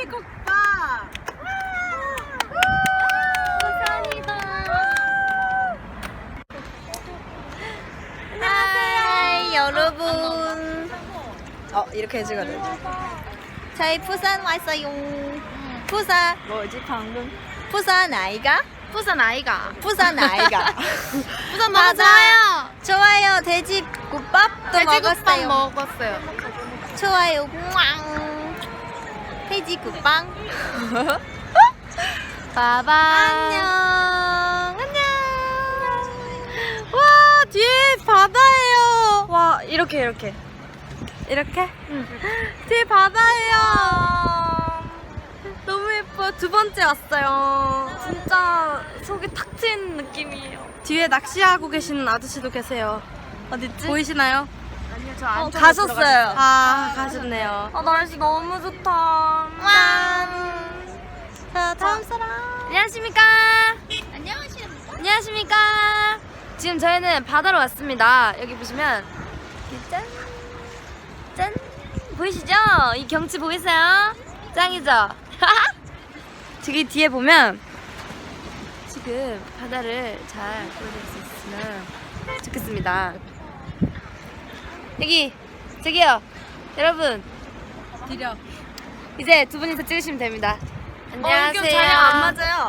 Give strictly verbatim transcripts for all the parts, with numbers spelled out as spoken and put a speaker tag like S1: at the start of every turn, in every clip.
S1: 돼지국밥.
S2: 감사합니다.
S1: 안녕하세요 여러분. 어 이렇게 해주거든. 저희 부산 왔어요. 부산 뭐지 방금? 부산 아이가?
S2: 부산 아이가.
S1: 부산 아이가.
S2: 부산 너무
S1: 맞아요.
S2: 좋아요.
S1: 좋아요. 돼지국밥도
S2: 돼지국밥
S1: 먹었어요.
S2: 먹었어요.
S1: 좋아요. 왕. 돼지국빵.
S2: 바바.
S1: 안녕. 안녕. 와 뒤에 바다예요. 와 이렇게 이렇게 이렇게.
S2: 응.
S1: 뒤에 바다예요. 너무 예뻐. 두 번째 왔어요. 진짜 속이 탁 트인 느낌이에요. 뒤에 낚시하고 계시는 아저씨도 계세요. 어딨지? 보이시나요?
S2: 아니요, 저 안.
S1: 어, 가셨어요. 아, 가셨네요.
S2: 아, 날씨 너무 좋다.
S1: 와. 자, 다음 사람.
S2: 안녕하십니까? 안녕하십니까? 안녕하십니까? 지금 저희는 바다로 왔습니다. 여기 보시면 짠! 짠! 보이시죠? 이 경치 보이세요? 짱이죠? 저기 뒤에 보면 지금 바다를 잘 보여드릴 수 있으면 좋겠습니다. 여기 저기요 여러분
S1: 드려.
S2: 이제 두 분이서 찍으시면 됩니다. 안녕하세요.
S1: 어, 자랑 안 맞아요.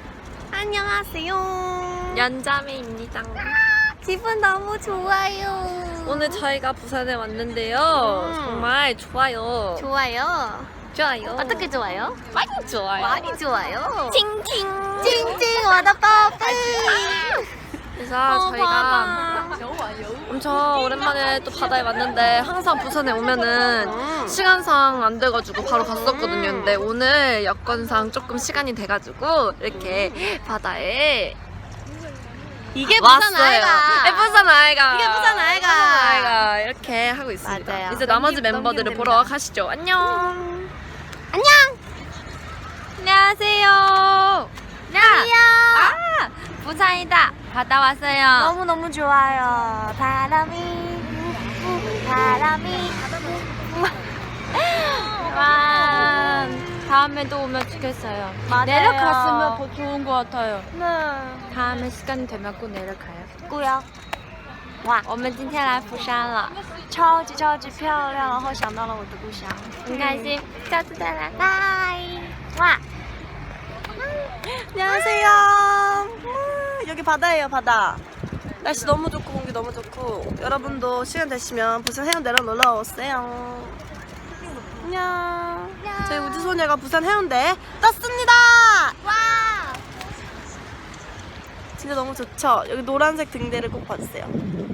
S2: 안녕하세요. 연자매입니다.
S1: 기분 너무 좋아요.
S2: 오늘 저희가 부산에 왔는데요.
S1: 음.
S2: 정말 좋아요.
S1: 좋아요.
S2: 좋아요.
S1: 어떻게 좋아요?
S2: 많이 좋아요.
S1: 많이 좋아요.
S2: 팅팅.
S1: 찡찡 와다빠빠.
S2: 그래서 저희가 엄청 오랜만에 또 바다에 왔는데 항상 부산에 오면은 시간상 안 돼가지고 바로 갔었거든요. 근데 오늘 여건상 조금 시간이 돼가지고 이렇게 바다에
S1: 이게
S2: 왔어요.
S1: 부산 아이가.
S2: 네, 부산 아이가.
S1: 이게 부산 아이가.
S2: 부산 아이가 이렇게 하고 있습니다.
S1: 맞아요.
S2: 이제 나머지
S1: 넘기-
S2: 멤버들을
S1: 넘기면
S2: 보러
S1: 됩니다.
S2: 가시죠. 안녕.
S1: 안녕.
S2: 안녕하세요. 야. 아, 부산이다. 바다 왔어요.
S1: 너무 너무 좋아요. 바람이 바람이.
S2: 와, 다음에도 오면 좋겠어요.
S1: 맞아요.
S2: 내려갔으면 더 좋은 것 같아요.
S1: 네.
S2: 다음에 시간이 되면 꼭 내려가요.
S1: 姑呀，哇，
S2: 我们今天来釜山了，
S1: 超级超级漂亮，然后想到了我的故乡，
S2: 很开心，下次再来。
S1: 拜。와. 안녕하세요. 음, 여기 바다예요, 바다. 날씨 너무 좋고 공기 너무 좋고 여러분도 시간 되시면 부산 해운대로 놀러 오세요. 안녕. 저희 우주소녀가 부산 해운대에 떴습니다. 와. 진짜 너무 좋죠? 여기 노란색 등대를 꼭 봐주세요.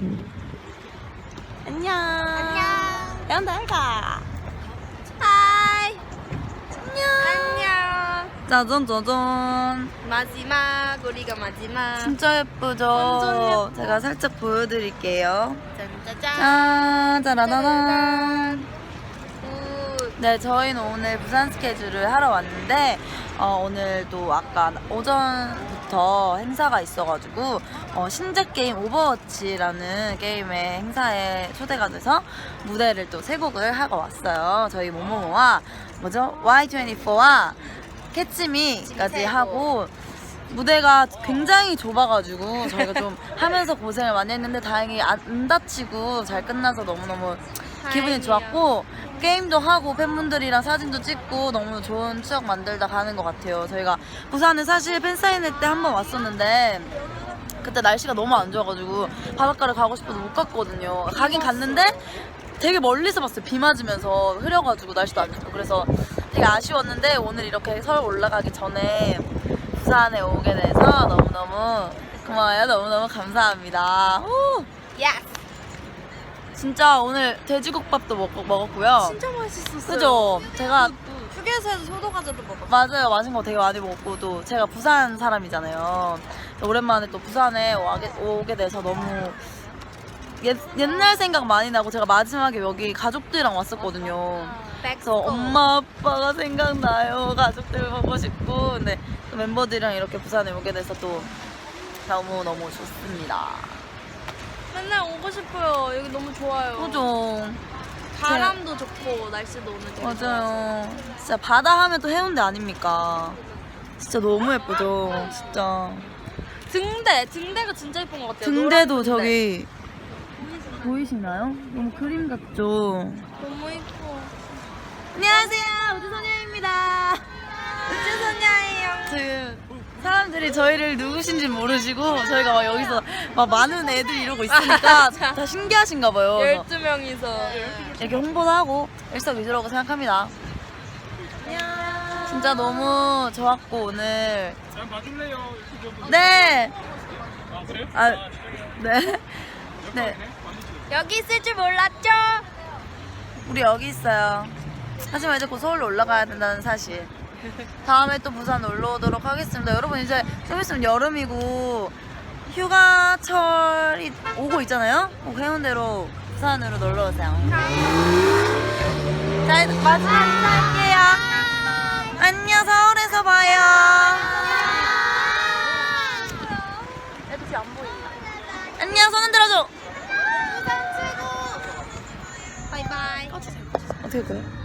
S1: 안녕. 안녕. 해운대 가. 하이. 안녕.
S2: 안녕.
S1: 짜잔 짜잔.
S2: 마지막 우리가 마지막.
S1: 진짜 예쁘죠?
S2: 완전 예뻐.
S1: 제가 살짝 보여드릴게요.
S2: 짠짜잔.
S1: 짠, 짜라라란.
S2: 굿.
S1: 네, 저희는 오늘 부산 스케줄을 하러 왔는데 어, 오늘도 아까 오전부터 행사가 있어가지고 어, 신제 게임 오버워치라는 게임의 행사에 초대가 돼서 무대를 또 세 곡을 하고 왔어요. 저희 모모모와 뭐죠? 와이 트웬티포와 캐치미까지 하고 무대가 굉장히 좁아가지고 저희가 좀 하면서 고생을 많이 했는데 다행히 안 다치고 잘 끝나서 너무너무 기분이 좋았고 게임도 하고 팬분들이랑 사진도 찍고 너무 좋은 추억 만들다 가는 것 같아요. 저희가 부산은 사실 팬사인회 때 한 번 왔었는데 그때 날씨가 너무 안 좋아가지고 바닷가를 가고 싶어도 못 갔거든요. 가긴 갔는데 되게 멀리서 봤어요. 비 맞으면서 흐려가지고 날씨도 안 좋고 그래서 되게 아쉬웠는데 오늘 이렇게 서울 올라가기 전에 부산에 오게 돼서 너무너무 고마워요. 너무너무 감사합니다. 후!
S2: 예스.
S1: 진짜 오늘 돼지국밥도 먹, 먹었고요.
S2: 진짜 맛있었어요.
S1: 그죠? 제가
S2: 휴게소에서 소도과자도 먹었어요.
S1: 맞아요. 맛있는 거 되게 많이 먹고 또 제가 부산 사람이잖아요. 오랜만에 또 부산에 오게, 오게 돼서 너무 옛, 옛날 생각 많이 나고 제가 마지막에 여기 가족들이랑 왔었거든요. 그래서 엄마 아빠가 생각나요. 가족들 보고 싶고 근데 또 멤버들이랑 이렇게 부산에 오게 돼서 또 너무너무 좋습니다.
S2: 맨날 오고 싶어요. 여기 너무 좋아요.
S1: 그죠?
S2: 바람도 좋고 날씨도 오늘 되게
S1: 맞아요. 진짜 바다 하면 또 해운대 아닙니까? 진짜 너무 예쁘죠. 진짜.
S2: 등대 등대가 진짜 예쁜 것 같아요.
S1: 등대도
S2: 노란 등대.
S1: 저기 보이시나요? 너무 그림 같죠?
S2: 너무 예뻐.
S1: 안녕하세요, 우주소녀입니다.
S2: 우주소녀예요.
S1: 지금 사람들이 저희를 누구신지 모르시고 저희가 막 여기서 막 많은 애들이 이러고 있으니까 다 신기하신가 봐요. 그래서
S2: 열두 명이서
S1: 이렇게 홍보도 하고 일석이조라고 생각합니다. 진짜 너무 좋았고 오늘.
S3: 잘 봐줄래요?
S1: 네.
S3: 아 그래요?
S1: 아 네. 네.
S2: 여기 있을 줄 몰랐죠?
S1: 우리 여기 있어요. 하지만 이제 곧 서울로 올라가야 된다는 사실. 다음에 또 부산 놀러 오도록 하겠습니다. 여러분 이제 좀 있으면 여름이고 휴가철이 오고 있잖아요. 꼭 해운대로 부산으로 놀러 오세요. 자, 마지막 인사할게요. 안녕, 서울에서 봐요.
S2: 애들이 안 보인다.
S1: 안녕, 손 흔들어줘.
S2: 바이바이.
S1: 어떻게 그래?